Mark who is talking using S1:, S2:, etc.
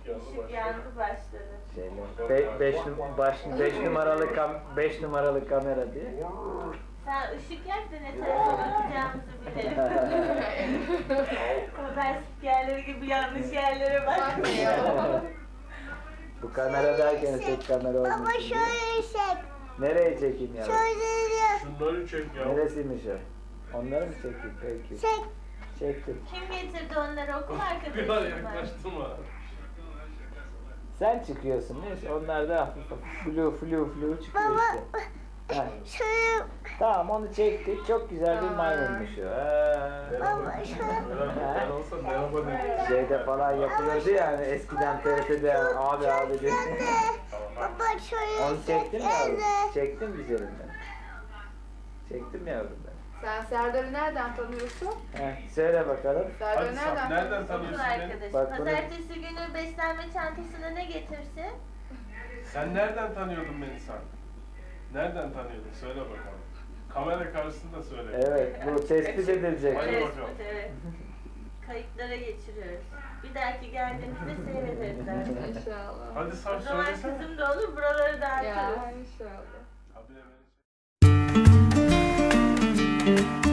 S1: Işık yandı başladı.
S2: Beş numaralı kamera diye.
S1: Sen ışık yak da ne tarafa bakacağımızı bilelim. Haber spikerleri gibi yanlış yerlere bakmıyor.
S2: Bu kamera derken tek kamera olmuş.
S3: Baba şöyle çek.
S2: Nereye çekeyim ya?
S3: Şöyle
S4: Şunları çek ya.
S2: Neresiymiş o? Onları mı çekeyim? Peki.
S3: çek.
S2: Çektim.
S1: Kim getirdi onları okul arkadaşım
S4: Biraz
S1: mı?
S4: yaklaştım ha.
S2: Sen çıkıyorsun neyse onlar da hafif flu çıkıyor
S3: Baba
S2: işte. Ha,
S3: şöyle.
S2: tamam onu çektik. Çok güzel bir maymunmuş o.
S3: Baba şöyle.
S4: Ben olsam merhaba dedim.
S2: Şeyde falan yapılıyordu yani eskiden TRT'de abi diye.
S3: Baba şöyle
S2: Onu çektim yavrum.
S3: Evet.
S2: Çektim üzerinden. Çektim yavrum ben.
S5: Sen Serdar'ı nereden tanıyorsun?
S2: Söyle bakalım.
S5: Serdar'ı
S4: Hadi
S5: nereden
S4: Saf, nereden
S1: Okul
S4: tanıyorsun beni?
S1: arkadaşım.
S2: Bak bunu-
S1: Pazartesi günü beslenme çantasına ne getirsin?
S4: Sen nereden tanıyordun beni sen? Nereden tanıyordun? Söyle bakalım. Kamera karşısında söyle.
S2: Evet bu tespit edilecek.
S4: Hadi
S1: Evet,
S4: bakalım.
S1: evet. Kayıtlara geçiriyoruz. Bir dahaki geldiğimizde seyrederiz artık.
S5: İnşallah.
S4: Hadi
S1: O
S4: Saf
S1: zaman
S4: söylesene.
S1: kızım da olur, buraları da
S5: Ya
S1: açarız.
S5: inşallah.
S4: Habire beni çek.